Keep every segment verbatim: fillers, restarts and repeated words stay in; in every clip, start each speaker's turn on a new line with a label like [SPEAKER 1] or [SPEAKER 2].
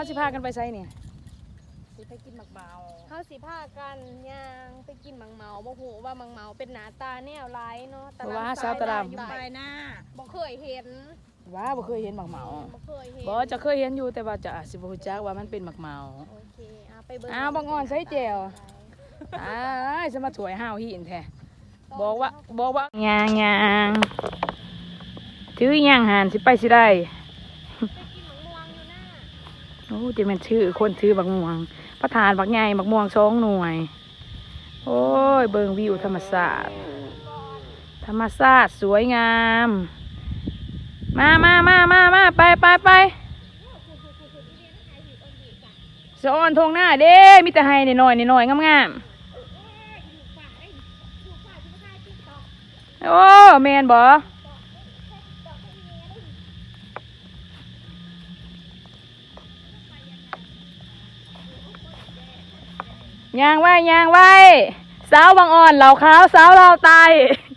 [SPEAKER 1] เขาสิพากันไปไสเนี่ยสิไปกินหมักเมา
[SPEAKER 2] เขาสิพากันย่างไปกินหมังเมาบ่ฮู้ว่าหมังเมาเป็นหน้าตาแนวไรเนาะตลาดสาวตลาดอยู่ไปหน้าบ่เคยเห็น
[SPEAKER 1] ว่าบ่เคยเห็นหมักเมา
[SPEAKER 2] บ่เคยเห็น
[SPEAKER 1] บ่จะเคยเห็นอยู่แต่ว่าจะสิบ่รู้จักว่ามันเป็นหมักเมา
[SPEAKER 2] โอเคอ่ะไปเบิ่ง
[SPEAKER 1] อ้าวบางอ่อนใส่แจ่วอ้ายจะมาถวยห้าวหินแท้บอกว่าบอกว่ายางยางถือยางหันสิไปสิได้โอ้จะเป็นชื่อคนถือบักม่วงประธานบักใหญ่บักม่วงสองหน่วยโอ้ยเบิ่งวิวธรรมศาสตร์ธรรมศาสตร์สวยงามมามามามามาไปไปไปสะออนทงหน้าเด้มิตรไฮหน่อยหน่อยงามๆโอ้แมนบ่ยางไว้ยางไว้สาวบางอ่อนเหล่าขาวสาวเราตาย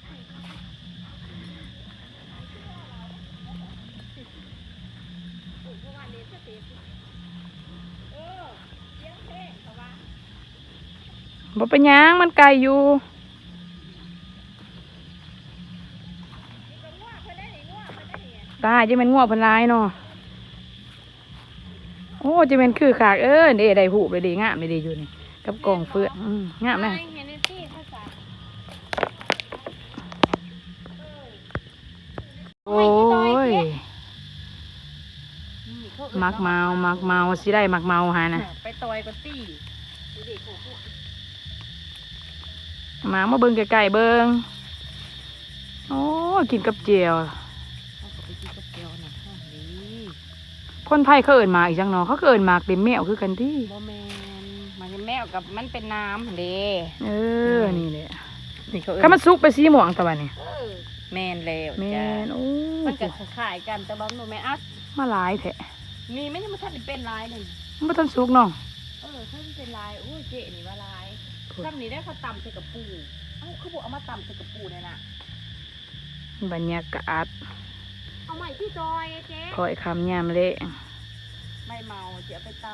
[SPEAKER 1] บ่เป็นยางมันไกลอยู่ตายจะเป็นง่วงพันลายเนาะโอ้จะเป็นคือขากเออเดี๋ยวได้หูไปดีงามไปดีอยู่นี่กับกองเฟืองงามเลยโอ้ยมักเมามักเมาสิได้มักเมาฮะนะ
[SPEAKER 2] ไปต่อยก็ตี้
[SPEAKER 1] มามาเบิ่งไก่เบิ่งโอ้กินกับเจียวคนไทยเขาเอิ้นหมากอีกจังเนาะเขาเอิ้นหมากเต็มแมวคือกันที่
[SPEAKER 2] บ่แม่นมันแมวกับมันเป็นน้ำเด้
[SPEAKER 1] เออนี่แหละนี่เขาเอิ้นถ้ามันสุกไปสีม่วงตะวันนี่
[SPEAKER 2] แม่นแล้ว
[SPEAKER 1] แม่นโอ้
[SPEAKER 2] มันก็คล้ายกันแต่ว่ามันแม่อัด
[SPEAKER 1] มาหลายแท้
[SPEAKER 2] นี่ไม่ได้มาทันเป็นลายเลย
[SPEAKER 1] มันบ่ทันสุกเนาะ
[SPEAKER 2] เออถ้ามันเป็นลายโอ้ยเจ๊นี่ว่าลายซ้ำนี้ได้เขาตำใส่กับปูเอ้าเขาบอกเอามาตำใส่กับปูเนี่ยนะ
[SPEAKER 1] บรรยากาศ
[SPEAKER 2] เอาใหม่พี่จอยเจ๊
[SPEAKER 1] คอยคำยามเละ
[SPEAKER 2] ไม่เมาเจ๊ไปต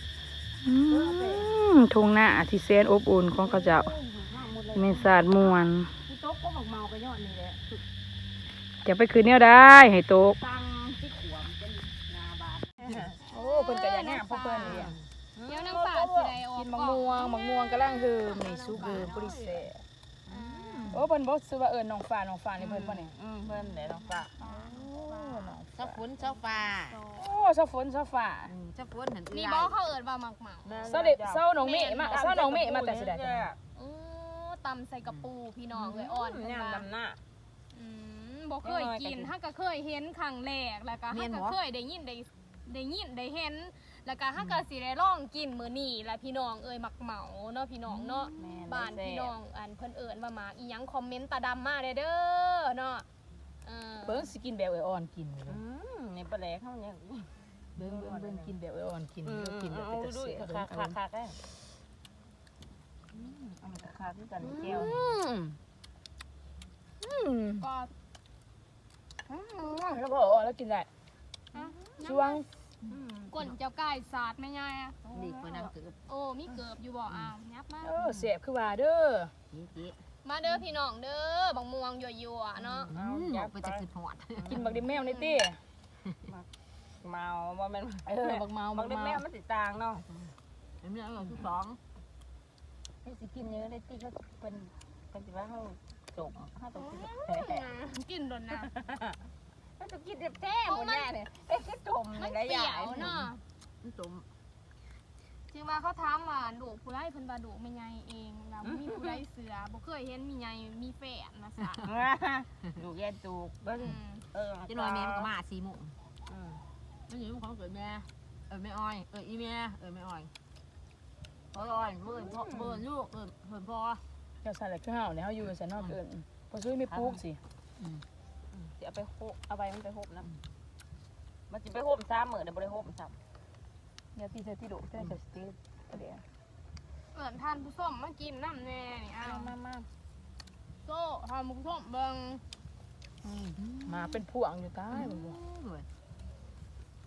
[SPEAKER 1] ำทุ่งหน้าที่แสนอบอุ่นของเขาเจ้าเมษาดมวน
[SPEAKER 2] พี่โต๊ะก็บอกเมาไปยอดนี่แหละ
[SPEAKER 1] จะไปคืนเนี้ยได้ให้โต๊ะ
[SPEAKER 2] ตังที่ขวมเป็นนาบาท
[SPEAKER 1] โอ้เพิ่นก็อย่างงามพวกเพิ่นนี่
[SPEAKER 2] เดี๋ยวน้ำป่าสิได้ออก
[SPEAKER 1] กินมะม่วงมะม่วงกำลังคือในซุปคือปุริเสโอ้เพิ่นบ่ซื้อว่าเอิ้นน้องฟ้าน้องฟ้านี่เพิ่นบ่นี่
[SPEAKER 2] อืมเพิ่นแหละน้องฟ้า
[SPEAKER 1] โอ้น้อง
[SPEAKER 3] เจ้าฝนเจ้าฟ้า
[SPEAKER 1] โอ้เจ้าฝนเจ้าฟ้า
[SPEAKER 3] เจ้าฝนหัน
[SPEAKER 2] นี่บ่เขาเอิ้นว่าหมักเหมา
[SPEAKER 1] เจ้าเด็กเจ้าน้องเมฆมาเจ้าน้องเมฆมาแต่สิได้จ้ะ
[SPEAKER 2] โอ้ตำใส่กระปูพี่น้องเอ้ยอ่อน
[SPEAKER 3] เนี่ยดำหน้า
[SPEAKER 2] อืมบ่เคยกินถ้าก็เคยเห็นครั้งแรกแล้วก็ถ้าก็เคยได้ยินได้ได้ยินได้เห็นแล้วก็ถ้าก็สิได้ลองกินมื้อนี้แล้วพี่น้องเอ้ยหมักเหมาเนาะพี่น้องเนาะบ้านพี่น้องอันเพิ่นเอิ้นว่าหมากอีหยังคอมเมนต์ตาดำมาเด้อเด้อเนาะเออ
[SPEAKER 1] เบิ่งสิกินแบบอ่อนกิน
[SPEAKER 3] อืมนี่ปลาแหลกเฮาเนี่ย
[SPEAKER 1] เบิ่งเบิ่งเบิ่งกินแบบอ่อนกินเดี๋ยวกินแบบเป็นตะเสีย
[SPEAKER 3] คักคักๆๆเด้ออืมเอามาคักๆคือกันแก้ว
[SPEAKER 1] อืมอืม
[SPEAKER 2] ก็
[SPEAKER 1] อืมแล้วก็อ่อนแล้วกินได้ช่วง
[SPEAKER 2] ก้นเจ้าไก่สาดแม่ยายอ่ะ
[SPEAKER 3] ดีกว่าน้ำเกือบ
[SPEAKER 2] โอ้มีเกือบอยู่บ่อ้าวยับมา
[SPEAKER 1] เออเสียบคือว่าเด้อ
[SPEAKER 2] มาเด้อพี่น้องเด้อบักม่วงยั่วๆเนาะ
[SPEAKER 3] อยากไปจะขึ้นหอด
[SPEAKER 1] กินบักดิแมวนี่ติ
[SPEAKER 3] เมาบ่แม่น
[SPEAKER 1] เออบักเมา
[SPEAKER 3] บักดิแมวมันสิต่างเนาะเอ็มเนี่ยเอาที่สอง
[SPEAKER 1] ให้สิกินเยอะได้ติเขาเป็นเพิ่นสิว่าเฮาจกเฮาต้องกินแท้
[SPEAKER 2] กินโดนน้ำ
[SPEAKER 3] มันต้องกินแท้หมดแน่เลยเอ๊ะคิดจม
[SPEAKER 2] มันเปรี้ยวเนาะ
[SPEAKER 3] มันจม
[SPEAKER 2] จริงว่าเขาถามว่าดูผู้ไล่เพิ่นว่าดูไม่ไงเองแล้วมีผู้ไล่เสือบ่เคยเห็นมีไงมีแฝดมาซะ
[SPEAKER 3] ดูแย่จูกเบิ่งเออจะน้อยแม่มันก็มาสี่โมงอือมันอยู่ของเกิดแม่เออแม่อ้อยเอออีแม่เออแม่อ้อยพ่ออ้อยเบิ่นพ่อเบิ่นลูกเบิ่นเพิ่นพ่อ
[SPEAKER 1] เจ้าสั่นแหละคือเฮาเนี่ยเฮาอยู่ซั่นเนาะเอิ้นบ่ซุยมีปลูกสิ
[SPEAKER 3] อือ
[SPEAKER 2] สิเอาไปโหเอาไปมันไปโหนะ
[SPEAKER 3] มันสิไปโหมซ้ำมื้อเดี๋ยวบ่ได้โหมซ้ำ
[SPEAKER 1] อย่าตีใส่ที่ดุแต่จะสติเดี๋ยว
[SPEAKER 2] เอิ้นทานผู้ส้มมากินน้ำแน่นี่อ้าว
[SPEAKER 1] มา
[SPEAKER 2] ๆโซ่ทานผู้ส้มเบิ่ง
[SPEAKER 1] มาเป็นพวงอยู่ใต้บ่
[SPEAKER 3] เขา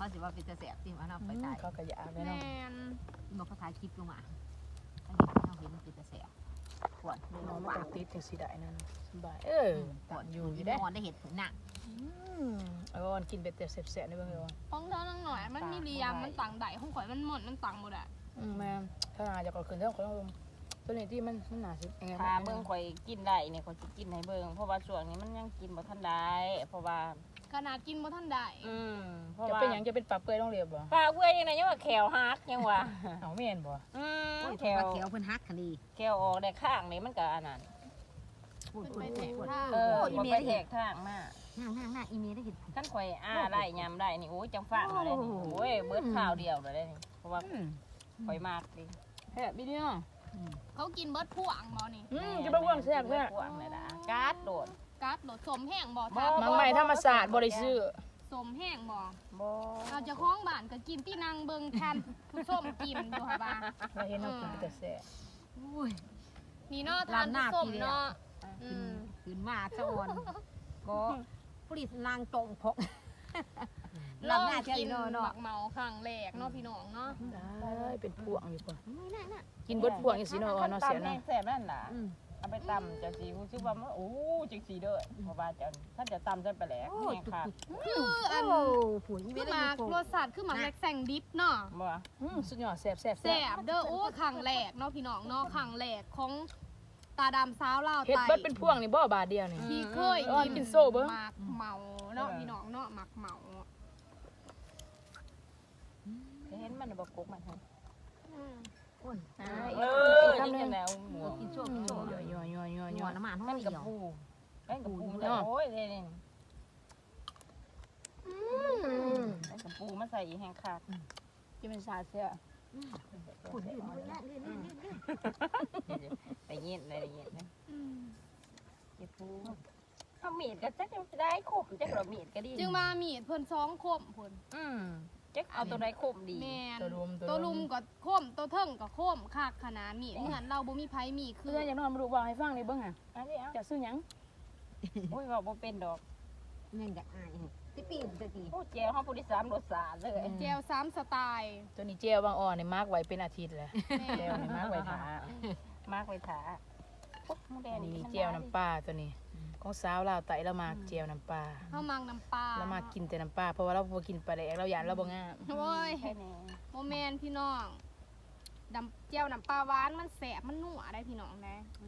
[SPEAKER 3] เขาสิว่าเป็นจะแสบจริงว่าเราไป
[SPEAKER 1] อืม
[SPEAKER 3] ตาย
[SPEAKER 1] เขาก็อยากเลย
[SPEAKER 2] แม
[SPEAKER 1] เนาะ
[SPEAKER 2] น
[SPEAKER 3] บอกเขาถ่ายคลิปลงมาเขาเห็นเขาเห็นมันเป็นจะแสบปวดเลย
[SPEAKER 1] น้อง
[SPEAKER 3] ห
[SPEAKER 1] ไม่
[SPEAKER 3] วา
[SPEAKER 1] ต้
[SPEAKER 3] น
[SPEAKER 1] องติดจังสิได้นั่นสบายเออ
[SPEAKER 3] ปวด
[SPEAKER 1] อยู่อยู่
[SPEAKER 3] ได้
[SPEAKER 1] ได้
[SPEAKER 3] นอนได้เห็ดผลหนัก
[SPEAKER 1] อืมเอาอ่อนกินเป็ดแต่แซ่บๆได้เบิ่งเด้อ
[SPEAKER 2] ของเธอนั่งหน่อยมันมีเรียมมันต่างใดของข่อยมันหมดมันต่างหมดอ่ะ
[SPEAKER 1] อืมแม่ถ้าหาจะก็ขึ้นเท่าของลงตัวนี้ที่มันมันหนาสิยังไง
[SPEAKER 4] ถ้าเบิ่งข่อยกินได้เนี่ยข่อยสิกินให้เบิ่งเพราะว่าช่วงนี้มันยังกินบ่ทันได้เพราะว่า
[SPEAKER 2] ขนาดกินบ่ทันได้
[SPEAKER 4] อืมเพราะ
[SPEAKER 1] จะ
[SPEAKER 4] ว่า
[SPEAKER 1] เป็นหยังจะเป็นปลาเปื่อยต้องเรียบบ่
[SPEAKER 4] ปลาเบื่อยังไงยังว่าแขวหักยังว่า
[SPEAKER 1] เอาแม่นบ่
[SPEAKER 4] อืม
[SPEAKER 3] โอ้ย
[SPEAKER 4] แข
[SPEAKER 3] แถ
[SPEAKER 4] ว
[SPEAKER 3] วเขียวเพิ่นฮักคดี
[SPEAKER 4] แขวออกได้ข้างนี่มันก็อันนั้น
[SPEAKER 3] พูด
[SPEAKER 2] ขึ้น
[SPEAKER 3] พู
[SPEAKER 2] ไป
[SPEAKER 3] ด
[SPEAKER 2] แตะ
[SPEAKER 3] พูด
[SPEAKER 2] ท่า
[SPEAKER 4] เออ
[SPEAKER 3] อี
[SPEAKER 4] บ่
[SPEAKER 3] เม
[SPEAKER 4] ไป
[SPEAKER 3] ล
[SPEAKER 4] แทกทางมา
[SPEAKER 3] นั่งนั่งนั่งอีเมลได้เห็ด
[SPEAKER 4] คันข่อยอ้าไล่ยำได้นี่โอ้ยจังฟังเลยนี่โอ้ยเบิดข้าวเดียวเลยได้นี่เพราะว่า
[SPEAKER 1] อืม
[SPEAKER 4] ข่อยมากดิ
[SPEAKER 1] แซ่บอีเดียว
[SPEAKER 2] เขากินเบิดพวงบ่นี่
[SPEAKER 1] อืมจะบ่ว่างแซ่บ
[SPEAKER 4] เบิ
[SPEAKER 1] แท้
[SPEAKER 4] ดพวงเลยนะการ์ดโดด
[SPEAKER 2] กัดโหลดสมแห้งบ่
[SPEAKER 4] บ่
[SPEAKER 2] ทับ
[SPEAKER 1] มังใหม่ธรรมศาสตร์บ่ได้ซื้อ
[SPEAKER 2] สมแห้งบ่
[SPEAKER 4] บ่
[SPEAKER 2] เราจะคล้องบ้านก็กินที่นางเบิงแทนผู้ส้มกินอยู่ค่ะบ้า
[SPEAKER 1] เราเห็นเรากินแต่แซ่บ
[SPEAKER 3] อุ้ย
[SPEAKER 2] นี่เนาะทานผู้ส้มเนาะอื
[SPEAKER 3] ขึ้น
[SPEAKER 2] ม
[SPEAKER 3] ขึ้นมาสะออนก็ผลิตนางจงพก
[SPEAKER 2] ลอง
[SPEAKER 3] ลำหน้าเที่ยว
[SPEAKER 2] กิ
[SPEAKER 3] อี
[SPEAKER 2] น
[SPEAKER 3] โน่
[SPEAKER 2] ห
[SPEAKER 3] เนาะ
[SPEAKER 2] มักเมาครั้งแรกเนาะพี่น้องเนาะ
[SPEAKER 1] ได้เป็นพวงอยู่ป่ะ
[SPEAKER 3] ไม่น่าน่ะ
[SPEAKER 1] กินเบิดพวงจังซี่เนาะอ่อนเนาะเสีย
[SPEAKER 4] คั
[SPEAKER 1] เนาะ
[SPEAKER 4] ตำแซ่บนั่นล่ะ
[SPEAKER 3] อืม
[SPEAKER 4] เอาไปตำจะสีรู้สึกว่ามันโอ้จังสีเด้อเพราะว่าจะถ้าจะตำจะไปแหลก
[SPEAKER 3] โอ้
[SPEAKER 4] แห้งค่ะ
[SPEAKER 2] คืออัน
[SPEAKER 3] โอ้ผู้อีเม
[SPEAKER 2] คือ
[SPEAKER 3] ล
[SPEAKER 2] ห
[SPEAKER 3] ได้
[SPEAKER 2] มาก
[SPEAKER 3] ยินโฟ
[SPEAKER 2] รสชาติคือหมากแลกแซงดิบเนาะ
[SPEAKER 4] บ่
[SPEAKER 1] อืมสุดยอดแซ่บแซ่บ
[SPEAKER 2] แซ่บเด้อโอ้ครั้งแรกเนาะพี่น้องเนาะครั้งแรกของตาดำสาวลาว
[SPEAKER 1] เฮ็ด
[SPEAKER 2] ไต
[SPEAKER 1] เบิดเป็นพวงนี่บ่บาทเดียวนี่
[SPEAKER 2] ที่เคย
[SPEAKER 1] อ่อนกินโซ่เบิ่ง
[SPEAKER 2] หมากเมาเนาะพี่น้องเนาะหมากเมา
[SPEAKER 4] เห็นมันบ่กกมันหั่น
[SPEAKER 3] โอ้ย
[SPEAKER 1] อ่า
[SPEAKER 4] เอ
[SPEAKER 1] อี
[SPEAKER 4] อก
[SPEAKER 1] คำ
[SPEAKER 4] นี่
[SPEAKER 1] หนึ
[SPEAKER 4] จั
[SPEAKER 1] ง
[SPEAKER 4] งแล้วหมู
[SPEAKER 3] กินโชคกินโชค
[SPEAKER 1] ย่อยย่อยย่อยย่อย
[SPEAKER 3] หั
[SPEAKER 1] ย่
[SPEAKER 3] ว
[SPEAKER 1] อย
[SPEAKER 3] น้ำมัน
[SPEAKER 4] นั่น
[SPEAKER 3] เดี
[SPEAKER 4] กับ
[SPEAKER 3] ยว
[SPEAKER 4] ปูนั่นกับปู
[SPEAKER 1] เนาะ
[SPEAKER 4] โอ้ยนี่นี่นั่นกับปูมาใส่อีแห้งขาด
[SPEAKER 1] ที่เป็นสาเสีย
[SPEAKER 3] ขุนอยู่ด้วยนะเรื่อยๆๆ
[SPEAKER 4] ไปเย็นเลยเย็นนะเก็บปูเอามีดก็จักจะได้ขมจักเรามีดก็ดี
[SPEAKER 2] จึงมามีดเพิ่นสองคมเพิ่น
[SPEAKER 4] อืมจักเอาตัวใดขมดี
[SPEAKER 2] แม่น
[SPEAKER 1] ตัวรุม
[SPEAKER 2] ตัวลุมก็โคมตัวเทิงก็โคมคากขนาดมีดเหมือนเราบ่มีไผมีคื
[SPEAKER 1] คือ ออย่างน้อยมาดูบอกให้ฟังเลยเบิ่งอ่ะ
[SPEAKER 4] อันนี้เอา
[SPEAKER 1] จะซื้อหยัง
[SPEAKER 4] โอ้ยว่าบ่เป็นดอก
[SPEAKER 3] ๆนี่จะอายที่ปีนจะตี
[SPEAKER 4] โอ้เจ้าเฮาผู้ที่สามรสชาติเลย
[SPEAKER 2] แจวสามสไตล์
[SPEAKER 1] ตัวนี้เจลบางอ่อนนี่มาร์กไว้เป็นอาทิตย์แหละ
[SPEAKER 2] แม่
[SPEAKER 1] เจลนี่มาร์กไว้ทาม
[SPEAKER 4] ากไว้ถาปุ๊บหมูแด
[SPEAKER 1] อั
[SPEAKER 4] ง
[SPEAKER 1] นนี้นี่เจลน้ำปลาตัวนี้ของสาวลาวไตเรามาเจลน้ำปลา
[SPEAKER 2] เฮามังน้ำปลา
[SPEAKER 1] เรามากินแต่น้ำปลาเพราะว่าเราบ่กินปลาแดกเราหยานเราบ่งาม
[SPEAKER 2] โอ้ย
[SPEAKER 4] แค่นี้
[SPEAKER 2] บ่แม่นพี่น้องดำแจวน้ำปลาหวานมันแสบมันนัวได้พี่น้องนะ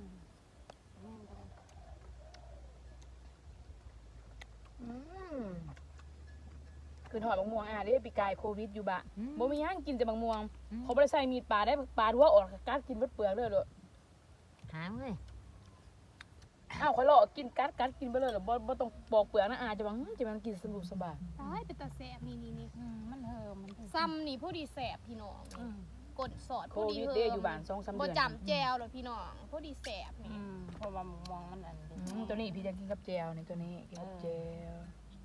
[SPEAKER 1] คือถอดบางม่วงอ่ะเด้ปีกายโควิดอยู่บะบ่มีหยังกินแต่บางม่วงเขาบ่ได้ใส่มีดปลาได้ปลาทั่วออกกัดกินเบิดเปลือกเลยโลด
[SPEAKER 3] หามเลย
[SPEAKER 1] อ้าวข่อยลอกกินกัดกัดกินไปเลยเหรอบ่บ่ต้องปอกเปลือกนะอาจะว่าอื้อจะมันกินสนุกสบาย
[SPEAKER 2] ตายเป็นตาแสบนี่นี่นี่
[SPEAKER 4] อืมมันเหิมมันเหิม
[SPEAKER 2] ซ้ำนี่ผู้ดีแสบพี่น้องนี่กดสอด
[SPEAKER 1] โค
[SPEAKER 2] ผู้ดี
[SPEAKER 1] วิด
[SPEAKER 2] เฮิ
[SPEAKER 1] เด้
[SPEAKER 2] ม
[SPEAKER 1] อยู่บ้านสองสาม
[SPEAKER 2] บ่
[SPEAKER 1] เดือน
[SPEAKER 2] จำแจวหรอกพี่น้องผู้ดีแสบนี่
[SPEAKER 4] อืมเพราะว่ามองมันอัน
[SPEAKER 1] อืมตัวนี้พี่จะกินกับแจวนี่ตัวนี้กินกับแจว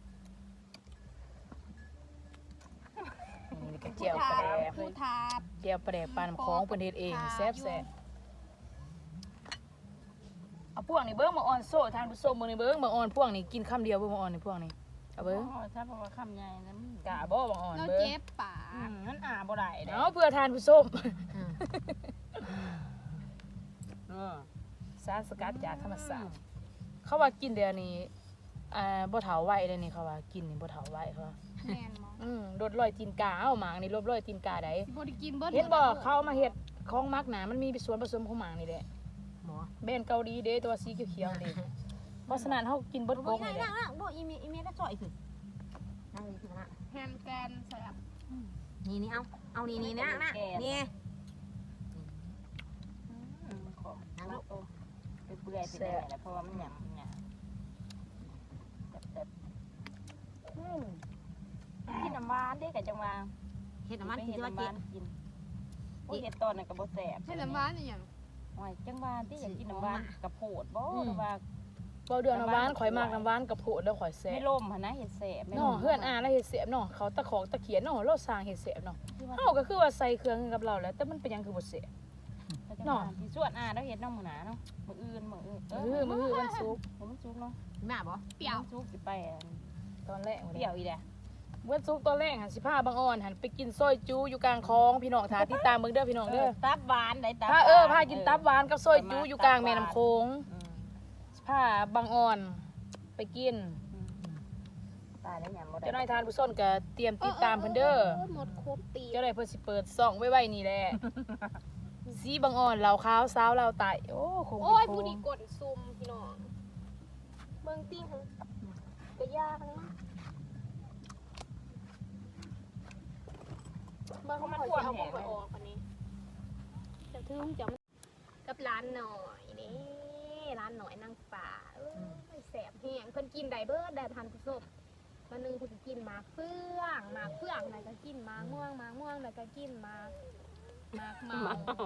[SPEAKER 1] นี่กับแจวปลาแดก
[SPEAKER 2] ผู้ทาบ
[SPEAKER 1] แจวปลาแดกปลาน้ำของเพิ่นเฮ็ดเองแซ่บแซ่บเอาพวกนี้เบิ่งมาอ่อนโซ่ทานผู้ชมมื้อนี้เบิ่งมาอ่อนพวกนี้กินคำเดียวเบิ่งมาอ่อนนี่พวกนี้เอา
[SPEAKER 4] เบิ้
[SPEAKER 1] เบิ่
[SPEAKER 4] ง
[SPEAKER 1] ง
[SPEAKER 4] ถ้าเพราะว่าคำใหญ่นั้น
[SPEAKER 1] กะบ่บางอ่อน
[SPEAKER 2] แล้ว
[SPEAKER 1] เบิ่ง
[SPEAKER 2] เจ็บปา
[SPEAKER 4] อื
[SPEAKER 2] ก
[SPEAKER 4] มนั่นอ่าบ่ได้เด้
[SPEAKER 1] เอาเพื่อทานผู้ชม
[SPEAKER 4] เออ
[SPEAKER 1] สารสกัดจากธรรมชาติเขาว่ากินเดี๋ยวนี้อ่าบ่เฒ่าไว้เลยนี่เขาว่ากินนี่บ่เฒ่าไว้เขาว่า
[SPEAKER 2] แม่นบ่
[SPEAKER 1] อืมลดรอยตีนกาเอาหมางนี่ลดรอยตีนกาได้
[SPEAKER 2] สิบ่ได้กินเบิด
[SPEAKER 1] เห็นบ่เขาเอามาเฮ็ดของมักหนามันมีส่วนผสมของหมางนี่แหละ
[SPEAKER 3] หมอ
[SPEAKER 1] แบรนด์เกาหลีเด้ตัวสีเขียวๆนี่เพราะฉะนั้นเฮากินเบิด
[SPEAKER 3] บ่
[SPEAKER 1] โกง
[SPEAKER 3] นั่
[SPEAKER 1] นี่
[SPEAKER 3] ง
[SPEAKER 1] แหละ
[SPEAKER 3] นั่งบ่อีเมลอีเมลก็จ่อยคือนั่งนี่คือนะ
[SPEAKER 2] แฮมแกนแสบ
[SPEAKER 3] นี่นี่เอาเอานี่นี่นะนะนี่
[SPEAKER 4] อืมของนั่งลูกโอ้ไปเปื่อยไปได้แหละเพราะว่ามันหยำหยำแบบๆอืมกินน้ำหวานเด้กับจังหวะ
[SPEAKER 3] เฮ็ดน้ำมัน
[SPEAKER 4] ไป
[SPEAKER 3] ที่
[SPEAKER 4] เห็ด
[SPEAKER 3] ว่า
[SPEAKER 4] น้ำห
[SPEAKER 3] เจ็
[SPEAKER 4] วา
[SPEAKER 3] บ
[SPEAKER 4] นกินโอ้ยเห็ดตอนนั้นก็บ่แซ่บ
[SPEAKER 2] ให้น้ำหวานอีหยัง
[SPEAKER 4] โอ้ยจังหวะที่อยากกินน้ำหวานกับโพดบ่หรือว่า
[SPEAKER 1] บ่เดือนน้ำหวานข่อยมากน้ำหวานกับโพดแล้วข่อยแซ่
[SPEAKER 4] ไม่
[SPEAKER 1] บ
[SPEAKER 4] ล่มหั่นนะเห็ดแซ่บ
[SPEAKER 1] เนาะเฮือนอาแล้วเฮ็ดแซ่บเนาะเขาตะขอกตะเขียนเนาะเราสร้างเฮ็ดแซ่บเนาะเฮาก็คือว่าใส่เครื่องกับเราแหล้วแต่มันเป็นหยังคือบ่แซ่บ
[SPEAKER 4] เนาะที่สวนอาแล้วเห็ดน้ำหมูหนาเนาะมื้ออื่นมื้ออื่น
[SPEAKER 1] เออมื้อวันศุกร์
[SPEAKER 4] ผมมันสุกเนาะ
[SPEAKER 3] แม่บ่
[SPEAKER 2] เปรี้ยว
[SPEAKER 4] สุกสิไปอัน
[SPEAKER 1] ตอนแรก
[SPEAKER 4] เปรี้ยวอีแหละ
[SPEAKER 1] เมื่อซุกตัวแรกหันสิพาบางอ่อนหันไปกินซอยจูอยู่กลางคลองพี่น้องทาที่ตามเบิ่งเด้อพี่น้องเด้อ
[SPEAKER 4] ตับหวานได้ตับ
[SPEAKER 1] พาเออพากินตับหวานกับซอยจูอยู่กลางแม่น้ำโขงสิพาบางอ่อนไปกิน
[SPEAKER 4] ตายแล้วหยังบ่ได้
[SPEAKER 1] เจ้าหน้ายทานผู้ส้นก็เตรียมติดตามเพิ่นเด้อ
[SPEAKER 2] หมดครบตี
[SPEAKER 1] เจ้าหน้ายเพิ่นสิเปิดซ่องไว้ๆนี่แหละสีบางอ่อนเหล่าขาวสาวเหล่าไตโอ้คง
[SPEAKER 2] โอ้ย
[SPEAKER 1] เป็นโค้
[SPEAKER 2] ผู้
[SPEAKER 1] ง
[SPEAKER 2] ดีกดซุ่มพี่น้องเบิ่งติ้งหั่นก็ยากนะเบิ่งเขามาขวดเอาของไปออกอันนี้จะถึงจะกับร้านหน่อยนี่ร้านหน่อยนางป่าเอ้ยแสบแห้งเพิ่นกินได้เบิดได้ทันผู้ชมวันหนึงเพิ่นกินหมากเฟื่องหมากเฟื่องแล้วก็กินหมากม่วงหมากม่วงแล้วก็กินหมากหมากเมา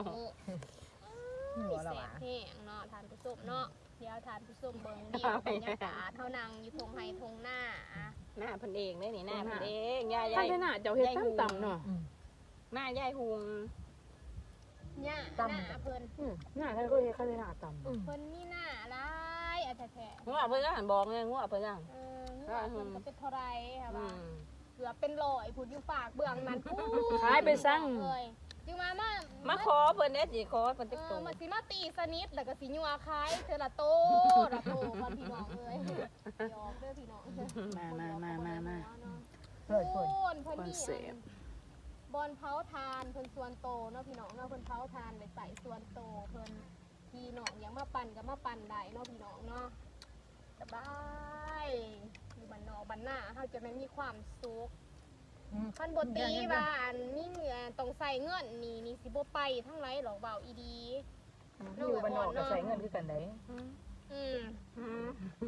[SPEAKER 3] หัวเรา
[SPEAKER 2] แส
[SPEAKER 3] อ่ะ
[SPEAKER 2] บแห้งเนาะทานผู้ชมเนาะเดี๋ยวทานผู้ชมเบิ่งวิวบรรยากาศเท่านังอยู่ทงไฮทงหน้า
[SPEAKER 4] หน้าเพิ่นเองเด้นี่หน้าเพิ่นเองย่า
[SPEAKER 1] ท่าน
[SPEAKER 4] ยาย
[SPEAKER 1] ได้น่ะเจ้าเฮ็ดต่ำๆเนาะ
[SPEAKER 4] หน้ายายหุง
[SPEAKER 2] เนี่ยหน้าเพิ่น
[SPEAKER 1] อืมหน้าท่านก็เฮ็ดข้าได้หน้าต่ำ
[SPEAKER 2] เพิ่นมีหน้าหลายอะแท้
[SPEAKER 4] งัวเพิ่นก็หันบอกไงงัวเพิ่นยัง
[SPEAKER 2] ๆเออเงินเพิ่นก็เป็นเท่าไรค่ะ
[SPEAKER 4] อื
[SPEAKER 2] ว่าม เกือบเป็นร้อยพุ่นอยู่ฝากเบื้องนั้นปู๊
[SPEAKER 1] ขายไปสั่ง
[SPEAKER 2] เอ้ยจึงมามา
[SPEAKER 4] มาขอเพิ่นเด้สิขอเพิ่น
[SPEAKER 2] เอ
[SPEAKER 4] ติ๊ก
[SPEAKER 2] อ
[SPEAKER 4] ตู
[SPEAKER 2] มาสิมาตีสนิทแล้วก็สิยัวคายเทอละโตละโตก่อนพี่น้องเอ้ยยอมเด้อพี่น้อง
[SPEAKER 1] มามามามามา
[SPEAKER 3] เปิดเปิด
[SPEAKER 2] โอนเพิ่น
[SPEAKER 1] คอน
[SPEAKER 2] มี
[SPEAKER 1] เซ็ปต์
[SPEAKER 2] บอลเผาทานเพิ่นส่วนโตเนาะพี่น้องเนาะเพิ่นเผาทานไปใส่ส่วนโตเพิ่นพี่น้องอยากมาปั่นก็มาปั่นได้เนาะพี่น้องเนาะสบายอยู่บ้านนอกบ้านหน้าเฮาจะไม่มีความสุขคันบ่ตีว่าอันมีเงินต้องใส่เงินนี่นี่สิบ่ไปทั้งไรหรอกเบาอีดี
[SPEAKER 1] อยู่บ้านนอกก็ใช้เงินคือกันได้
[SPEAKER 2] อืม
[SPEAKER 4] อืม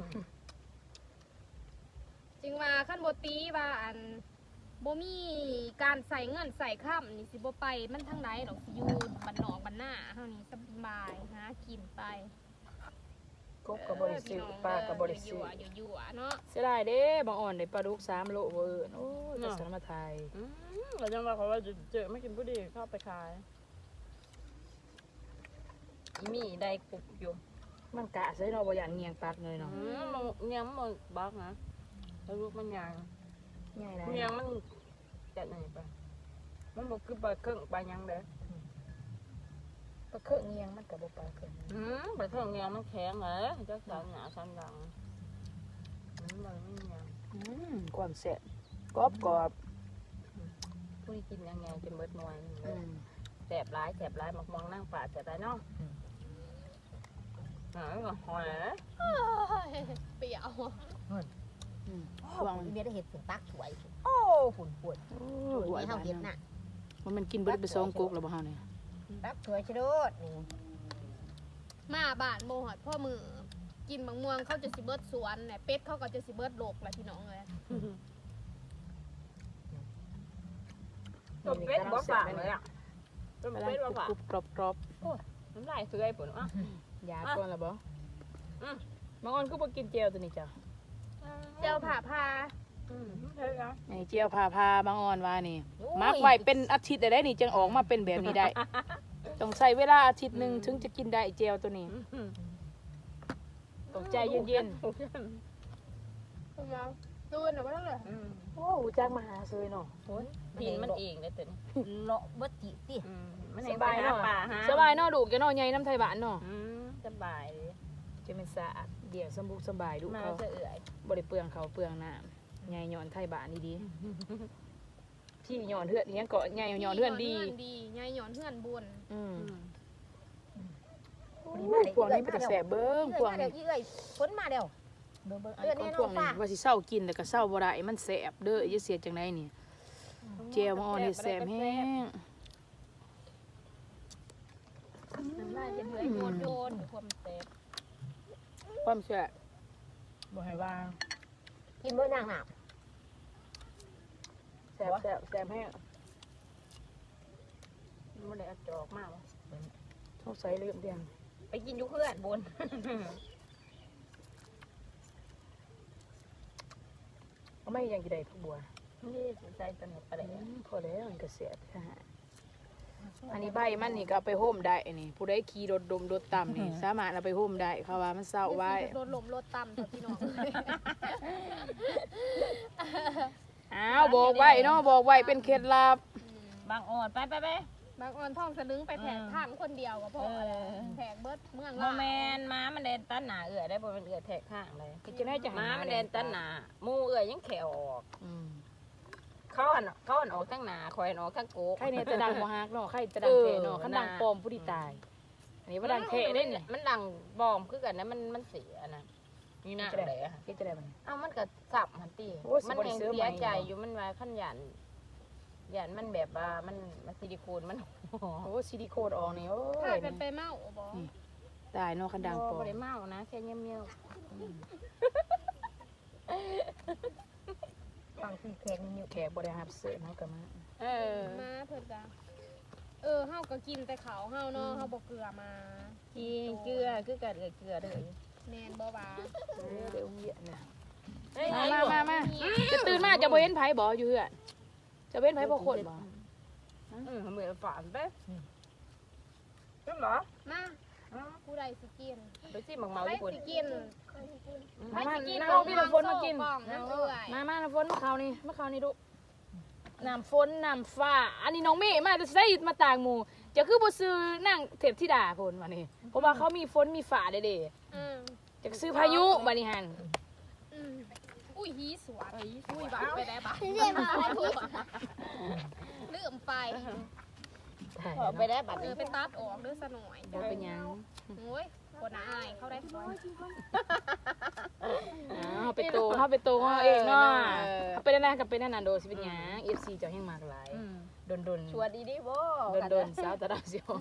[SPEAKER 2] จึงว่าคันบ่ตีว่าอันบ่มีการใส่เงินใส่ค่ำนี่สิบ่ไปมันทั้งไรหรอกสิอยู่บ้านนอกบ้านหน้าเฮานี่สบายหากินไป
[SPEAKER 1] กบกับบริสุทธิ์ปลากับบริสุทธิ์
[SPEAKER 2] อยู่ๆอยู่ๆเนาะ
[SPEAKER 1] เสียดายเด้บางอ่อนได้ปลาดุกสามโลเวอร์โอ้ยจะสารมาไทย
[SPEAKER 4] อืมเราจังว่าเขาว่าจะเจอไม่กินผู้ดีเข้าไปขายอีมีได้กรุบอยู่
[SPEAKER 1] มันกะใส่เนาะบ่อย่างเงียงปักเลยเนาะ
[SPEAKER 4] อืมมันยังมันบักนะแล้วลูกมันยัง
[SPEAKER 1] ง่ายได้
[SPEAKER 4] มันยังมันจัดไหนไปมันบอกคือปลาเครื่องปลายังเด้อ
[SPEAKER 1] ปลาเครื่องเงียงมันก็บ่ปลาเครื่อง
[SPEAKER 4] อืมปลาเครื่องยังมันแข็งเลยจักสารหนาสารดังอืมมันไม่ยัง
[SPEAKER 1] อืมความแซ่บกรอบกรอบ
[SPEAKER 4] ผู้ที่กินยังไงจะเบิดหน่วย
[SPEAKER 1] อืม
[SPEAKER 4] แสบร้ายแสบร้ายมักมองนั่งป่าแสบร้ายเนาะหอยหอย
[SPEAKER 2] เปรี้ยว
[SPEAKER 1] อืม
[SPEAKER 3] หวังเมียได้เห็ดฝุ่นตักถวยโอ้ฝุ่นปวด
[SPEAKER 1] โอ้
[SPEAKER 3] ถวย
[SPEAKER 1] ย
[SPEAKER 3] เฮาเห็ดน่ะ
[SPEAKER 1] มันมันกินเบิดไปสองกุ๊กแล้วบ่เฮาเนี่ย
[SPEAKER 3] ตักถวยชะโดด
[SPEAKER 2] มาบ้านโมหอดพ่อมือกินบางม่วงเขาจะสิเบิดสวนเนี่ยเป็ดเขาก็จะสิเบิดโลกแหละพี่น้องเลย
[SPEAKER 4] ต้มเป็ดบ่ฝางเลยอ่ะต้ม
[SPEAKER 1] กำลัง
[SPEAKER 4] เป็ดบ่ฝาง
[SPEAKER 1] กรุบๆกรอบ
[SPEAKER 4] น้ำลายเสื่อยปุ่นอ่ะ
[SPEAKER 1] ๆยาก่อนแล้วบ่
[SPEAKER 4] อืม
[SPEAKER 1] บางอ่อนคือบ่กินเจียวตัวนี้จ้ะ
[SPEAKER 2] เจ้าผ่าพา
[SPEAKER 4] อืมเฮ้ยอ่ะ
[SPEAKER 1] ไอ้เจียวพาพาบางอ่อนว่านี่มักไว้เป็นอาทิตย์ได้นี่จึงออกมาเป็นแบบนี้ได้ ต้องใช้เวลาอาทิตย์หนึงถึงจะกินได้เจียวตัวนี้
[SPEAKER 4] อืม
[SPEAKER 1] ต้องใจเย็น
[SPEAKER 2] คุณน้องตูนหรือว่าต้องเลย
[SPEAKER 4] อืม
[SPEAKER 1] ๆโอ้หูจักมาหาซื้อเนาะ
[SPEAKER 4] โอ้ยดินมันเองเลยตัวนี้
[SPEAKER 3] เลาะเบิดจิติ
[SPEAKER 4] อืมมัน
[SPEAKER 1] ส
[SPEAKER 4] เอง
[SPEAKER 1] บายเนาะ
[SPEAKER 4] ป่าฮะ
[SPEAKER 1] สบายเนาะดูกจะเนาะใหญ่น้ำไทยบ้านเนาะ
[SPEAKER 4] อืมสบายเลย
[SPEAKER 1] จะเป็นสะอาดเดี่ยวสมบุกสบายดู
[SPEAKER 4] มา
[SPEAKER 1] เขา
[SPEAKER 4] จะเอื่อย
[SPEAKER 1] บริเปลืองเขาเปลืองน้ำใหญ่หย่อนไทยบ้านดีๆพี่หย่อนเฮือนเนี้ยเกาะใหญ่หย่อนเฮือนดี
[SPEAKER 2] ดียายหย่อนเฮือนบุญ
[SPEAKER 1] อืม
[SPEAKER 4] อืม
[SPEAKER 1] พวกนี้เป็นกระแสเบิ้งพวก
[SPEAKER 3] มาเดี๋
[SPEAKER 1] นี้
[SPEAKER 3] ยวเอ้ยฝนมาเดี๋ยวเบิ่งเบิ่ง
[SPEAKER 1] ไอ้ของพวกนี้ว่าสิเศร้ากินแต่ก็เศร้าบ่ได้มันแสบเด้อจะเสียจังไดนี่เจียวมาอ่อนนี่แสบแห้ง
[SPEAKER 2] น้ำลายจะเดือยโยนโยนความเต็ม
[SPEAKER 1] ความแสบบ่ให้วาง
[SPEAKER 3] กินเบิ่งนางหนาบ
[SPEAKER 1] แสบแสบแสบแห้ง
[SPEAKER 4] มันได้เอาจอกมากวะ
[SPEAKER 1] สงสัยลืมเดียง
[SPEAKER 4] ไปกินอยุเพื่อนบน
[SPEAKER 1] เอาไม่ยังกี่ใดพักบัว
[SPEAKER 4] นี่ใจตนกไปเลย
[SPEAKER 1] อืมพอแล้วมันก็แสบค่ะอันนี้ใบมันนี่ก็เอาไปห่มได้นี่ผู้ใดขี่รถดมรถต่ำนี่สามารถเอาไปห่มได้เขาว่ามันเศร้าไว้
[SPEAKER 2] รถลมรถต่ำแต่พี่น้อง
[SPEAKER 1] ออ้าวบอกไว้เนาะบอกไว้เป็นเคล็ดลับ
[SPEAKER 3] บางอ่อนไปไปไป
[SPEAKER 2] บางออนท่องสลึงไปแผกทางคนเดียวก็พอ
[SPEAKER 3] เออ
[SPEAKER 2] แผกเบิดเมือง
[SPEAKER 3] โมแมนม้ามันแดนตันหนาเอื่อยได้บ่มันเอื่อยแทกข้างเลย
[SPEAKER 1] จะได้จะหา
[SPEAKER 3] ม้ามันแดนตันหนาหมูเอื่อยยังแขวออก
[SPEAKER 1] อืม
[SPEAKER 3] เขาอันเขาอันออกทั้งหนาคอยอันออกทั้งโกก
[SPEAKER 1] ใครเนี่ยจะดังบ่ฮักเนาะใครจะดังเทเนาะคันดังปลอมผู้ที่ตายอันนี้ว่าดังเทได้เนี่ย
[SPEAKER 3] มันดังบอมคือกันนะมันมันเสียนะนี่นะเลยอะ
[SPEAKER 1] เฮ็ดจะได้บ่
[SPEAKER 3] เอ้ามันก็สับมันตี
[SPEAKER 1] โอ้ยสิ
[SPEAKER 3] มัน
[SPEAKER 1] บ่ได้
[SPEAKER 3] ยัง
[SPEAKER 1] ซื้อ
[SPEAKER 3] เสีย
[SPEAKER 1] ใหม่
[SPEAKER 3] ใจอยู่มันว่าขั้นหยันหยันมันแบบว่ามันมันซิลิโคนมัน
[SPEAKER 1] โอ้ซิลิโคนออกนี่โอ้
[SPEAKER 2] ถ้าย กันไปเมาบ่
[SPEAKER 1] ตายเนาะคันดังปลอม
[SPEAKER 3] บ่ได้เมานะแค่เงี้ยเงี้ย
[SPEAKER 4] ฟังที่แขนอยู่
[SPEAKER 1] แขกบ่ได้รับเสื้อเนาะก็มา
[SPEAKER 3] เออ
[SPEAKER 2] มาเพิ่นก็เออเฮาก็กินแต่เขาวเฮาเนาะเฮาบ่เกลือมา
[SPEAKER 3] กินเกลือคือกันเอ่ยเกลือเลย
[SPEAKER 2] แม่นบ่ว่า
[SPEAKER 1] เออเดี๋ยวเหี้ยเนี่ย
[SPEAKER 3] เฮ้ย
[SPEAKER 1] มามามาจะตื่นมาจะบ่เห็นไผบ่อยู่เฮือนจะเห็นไผบ่คนบ่
[SPEAKER 3] อืมเหมือนฝันไปจริงเหรอ
[SPEAKER 2] มาผู้ใดสิกิน
[SPEAKER 3] ไปสิหมักเมา
[SPEAKER 2] ใคร
[SPEAKER 3] ญี่ปุ่น
[SPEAKER 2] สิกิน
[SPEAKER 1] มามา
[SPEAKER 2] สิกิน
[SPEAKER 1] นั่งเอาพี่น้ำฝนมากิน
[SPEAKER 2] บ้องน้ำเอื่อย
[SPEAKER 1] มามาน้ำฝนมาเขานี่มาเขานี่ดูน้ำฝนน้ำฟ้า อันนี้น้องเมย์มาจะใส่มาต่างหมู่จะคือบ่ซื้อนั่งเทพธิดาพนวันนี้เพราะว่าเขามีฝนมีฟ้าเด้
[SPEAKER 2] อืม
[SPEAKER 1] ๆจะซื้อพายุบัดนี้หัน
[SPEAKER 2] อืมอุ้ยฮีสวนอุ้ยบักไปได้บัก
[SPEAKER 4] เรียกมาอะไรพี่
[SPEAKER 2] ลืมไป
[SPEAKER 3] ออกไปได้บัตร
[SPEAKER 2] เออไปตัดออกเด้วยซะหน่อย
[SPEAKER 1] เดี๋ยวเป็นหยัง
[SPEAKER 2] โอ้ยคนอายเขาได้ฟอย
[SPEAKER 1] อ้าวไปโตเฮาไปโตเฮาเองเนาะเขาเป็นอะไรกับเป็นนั่นน่ะโดสิเป็นหยัง เอฟ ซี เจ้าแห่งมากหลายดนๆ
[SPEAKER 3] ชวนดีดีบ่
[SPEAKER 1] ดนๆสาวตะดาวสิโอ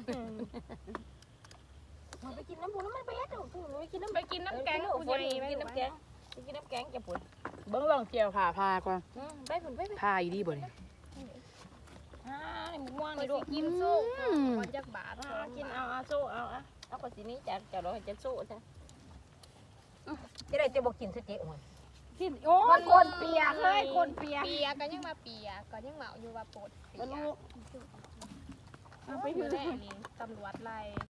[SPEAKER 3] มันไปกินน้ำปูน้ำมันไปเฮ็ดเอาปูไปกินน้ำ
[SPEAKER 2] ไปกินน้ำแกง
[SPEAKER 3] กู
[SPEAKER 2] กู
[SPEAKER 3] จะ
[SPEAKER 2] ใหญ่ไหม
[SPEAKER 3] กินน้ำแกงไปกินน้ำแกงจะปุ่น
[SPEAKER 1] เบิ่งลองเจียวผ่าพาก่อน
[SPEAKER 3] ไปปุ่นไปไป
[SPEAKER 1] พาอีดีบ่นี่
[SPEAKER 3] อ่านี่มึงว่าง
[SPEAKER 2] ไป
[SPEAKER 3] นี่ดู
[SPEAKER 2] สิกินสู้วันจักบาท
[SPEAKER 3] เอากินเอาเอาสู้เอาเอาเอาคนสีนี้จะจะรอจะสู้จ้ะ
[SPEAKER 4] จะได้จะบอกกินสเจ๊อ่อน
[SPEAKER 1] กินโอ้ยคนเปียกเฮ้ยคนเปียก
[SPEAKER 2] เปียก็ยังมาเปียก็ยังเมาอยู่ว่าปวดเปีย
[SPEAKER 3] แล้วลูก
[SPEAKER 2] เอาไปอยู่แน่นี่ตำรวจไล่